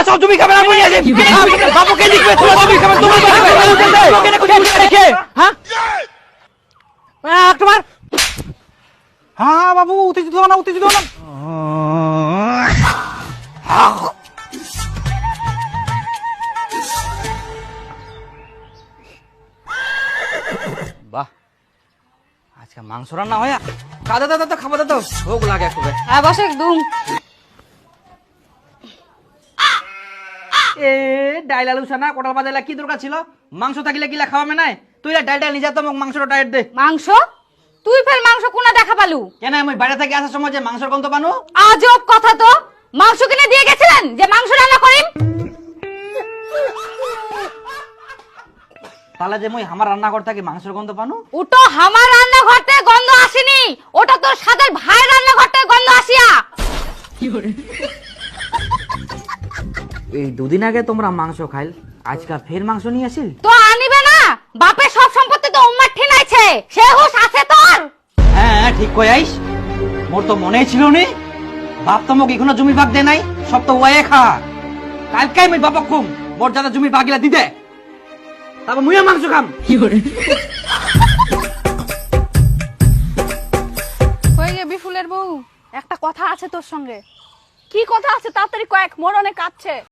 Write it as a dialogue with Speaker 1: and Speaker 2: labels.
Speaker 1: সব জমি খাবে না বলি আছে বাবুকে লিখবে তোমার জমি খাবে তোমার কেন কিছু রেখে হ্যাঁ তোমার হ্যাঁ বাবু উত্তেজিত হও না উত্তেজিত হও না বাহ আজকে মাংস রান্না হয় খাওয়া দাদা তো খাবার দাদা ভোগ লাগে একটু
Speaker 2: হ্যাঁ বসে একদম
Speaker 1: এ ডাইল আলু সানা কোটাল বাজাইলা কি দরকার ছিল মাংস থাকিলে কিলা খাওয়ামে নাই তুই ডাইলটা নিয়ে যা তো মাংসটা ডায়েট দে
Speaker 2: মাংস তুই ফের মাংস কোনা দেখা পালু
Speaker 1: কেন আমি বাইরে থেকে আসার সময় যে মাংসের গন্ধ পানো
Speaker 2: আজব কথা তো মাংস কিনে দিয়ে গেছিলেন যে মাংস রান্না করিম
Speaker 1: তাহলে যে মই আমার রান্নাঘর থেকে মাংসের গন্ধ পানো
Speaker 2: ওটা আমার রান্নাঘর থেকে গন্ধ আসেনি ওটা তোর সাদের ভাই রান্নাঘর থেকে গন্ধ আসিয়া
Speaker 1: এই দুদিন আগে তোমরা মাংস খাইল আজকে ফের মাংস নিয়ে আসিল
Speaker 2: তো আনিবে না বাপের সব সম্পত্তি তো উম্মার ঠিনাইছে সে হুশ আছে তোর
Speaker 1: হ্যাঁ ঠিক কই আইস মোর তো মনেই ছিল নি বাপ তো মোক এখনো জমি ভাগ দে নাই সব তো ওয়ে খা কালকে আমি বাবা খুম মোর যাতে জমি ভাগিলা দিদে তারপর মুইও মাংস খাম
Speaker 3: হয়ে গে বিফুলের বউ একটা কথা আছে তোর সঙ্গে কি কথা আছে তাড়াতাড়ি কয়েক মোর অনেক কাঁদছে